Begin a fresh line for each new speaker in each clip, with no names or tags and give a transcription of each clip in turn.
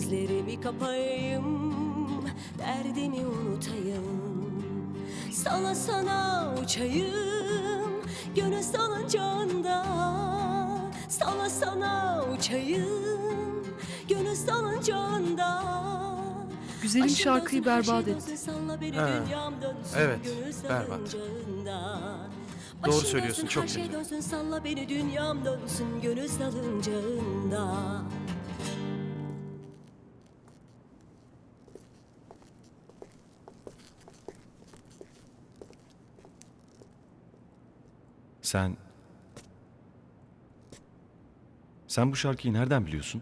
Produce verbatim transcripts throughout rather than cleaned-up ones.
gözlerimi kapayım, derdimi unutayım. Sana sana uçayım, gönül salıncağında. Sana sana uçayım, gönül salıncağında.
Güzelim şarkıyı berbat etti.
Ha, evet, berbat. Doğru söylüyorsun, çok
kötü.
kötü.
Dönsün, salla beni dünyam dönsün gönül salıncağında.
Sen... Sen bu şarkıyı nereden biliyorsun?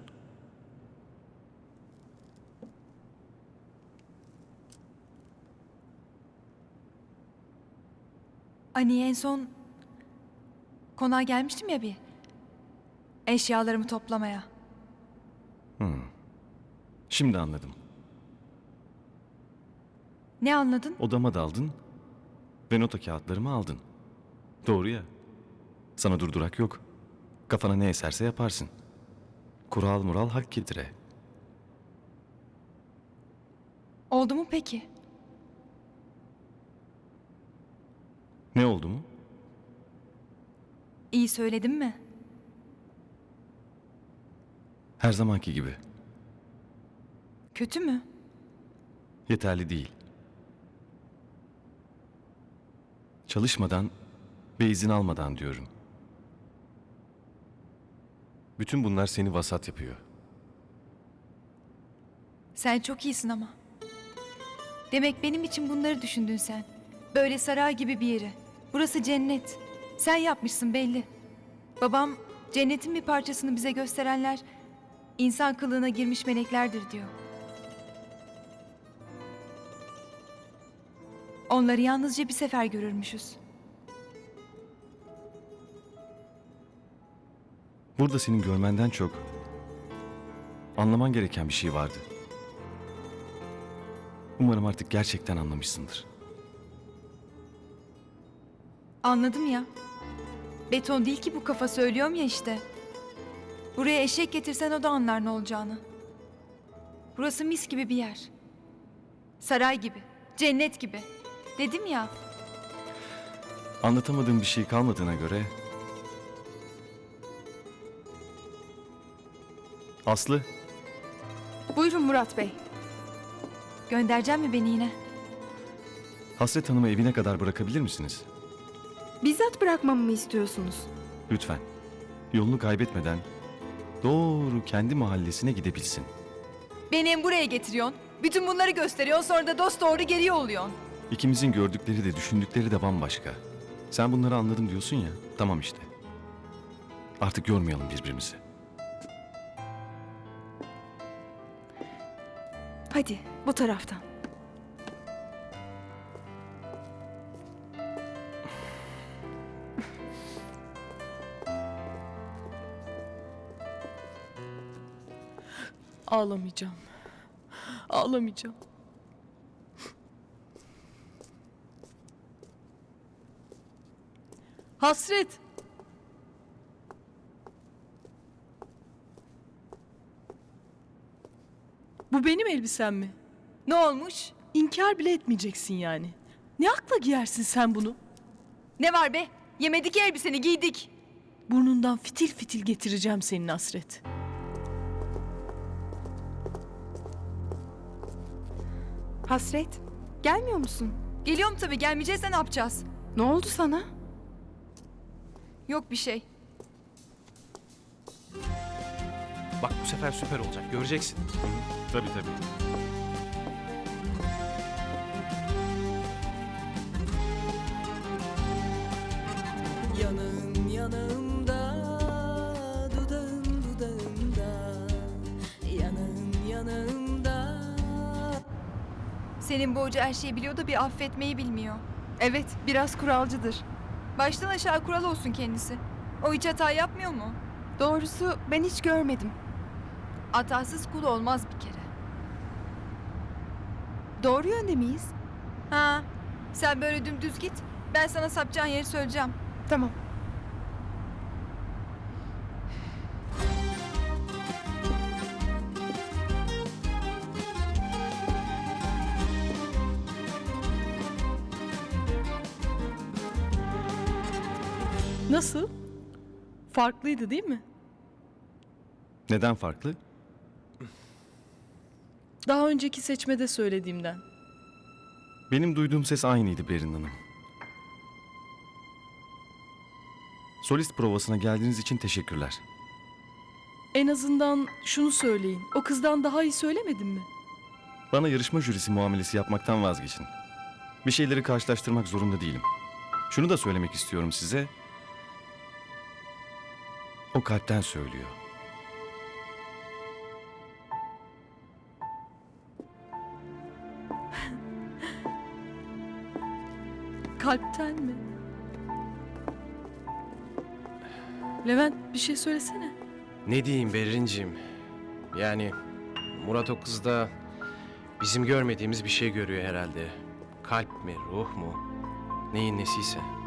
Hani en son konağa gelmiştim ya bir. Eşyalarımı toplamaya.
Şimdi anladım.
Ne anladın?
Odama daldın ve nota kağıtlarımı aldın. Doğru ya. Sana durdurak yok. Kafana ne eserse yaparsın. Kural mural hak getire.
Oldu mu peki?
Ne oldu mu?
İyi söyledim mi?
Her zamanki gibi.
Kötü mü?
Yeterli değil. Çalışmadan ve izin almadan diyorum. Bütün bunlar seni vasat yapıyor.
Sen çok iyisin ama. Demek benim için bunları düşündün sen. Böyle saray gibi bir yeri. Burası cennet. Sen yapmışsın belli. Babam cennetin bir parçasını bize gösterenler insan kılığına girmiş meleklerdir diyor. Onları yalnızca bir sefer görürmüşüz.
Burada senin görmenden çok anlaman gereken bir şey vardı. Umarım artık gerçekten anlamışsındır.
Anladım ya. Beton değil ki bu kafa, söylüyorum ya işte. Buraya eşek getirsen o da anlar ne olacağını. Burası mis gibi bir yer. Saray gibi, cennet gibi. Dedim ya.
Anlatamadığım bir şey kalmadığına göre... Aslı,
Buyurun Murat Bey.
Göndereceğim mi beni yine?
Hasret Hanım'ı evine kadar bırakabilir misiniz?
Bizzat bırakmamı mı istiyorsunuz?
Lütfen. Yolunu kaybetmeden doğru kendi mahallesine gidebilsin.
Beni hem buraya getiriyorsun. Bütün bunları gösteriyorsun, sonra da dost doğru geriye oluyorsun.
İkimizin gördükleri de düşündükleri de bambaşka. Sen bunları anladım diyorsun ya, tamam işte. Artık yormayalım birbirimizi.
Hadi bu taraftan.
Ağlamayacağım. Ağlamayacağım. Hasret. Bu benim elbisem mi?
Ne olmuş?
İnkar bile etmeyeceksin yani. Ne akla giyersin sen bunu?
Ne var be? Yemedik elbiseni, giydik.
Burnundan fitil fitil getireceğim senin Hasret.
Hasret, gelmiyor musun?
Geliyorum tabii, gelmeyeceksen ne yapacağız?
Ne oldu sana?
Yok bir şey.
Bak bu sefer süper olacak, göreceksin.
Tabii tabii.
Yanağın yanağımda, dudağın dudağımda. Yanağın yanağımda.
Senin bu hoca her şeyi biliyor da bir affetmeyi bilmiyor.
Evet, biraz kuralcıdır.
Baştan aşağı kural olsun kendisi. O hiç hata yapmıyor mu?
Doğrusu ben hiç görmedim.
Hatasız kul olmaz bir kere.
Doğru yönde miyiz?
Ha, sen böyle dümdüz git. Ben sana sapacağın yeri söyleyeceğim.
Tamam.
Nasıl? Farklıydı değil mi?
Neden farklı?
Daha önceki seçmede söylediğimden.
Benim duyduğum ses aynıydı Berin Hanım. Solist provasına geldiğiniz için teşekkürler.
En azından şunu söyleyin. O kızdan daha iyi söylemedim mi?
Bana yarışma jürisi muamelesi yapmaktan vazgeçin. Bir şeyleri karşılaştırmak zorunda değilim. Şunu da söylemek istiyorum size. O kalpten söylüyor.
Kalpten mi? Levent bir şey söylesene.
Ne diyeyim Berrin'ciğim? Yani Murat o kızda bizim görmediğimiz bir şey görüyor herhalde. Kalp mi, ruh mu? Neyin nesiyse.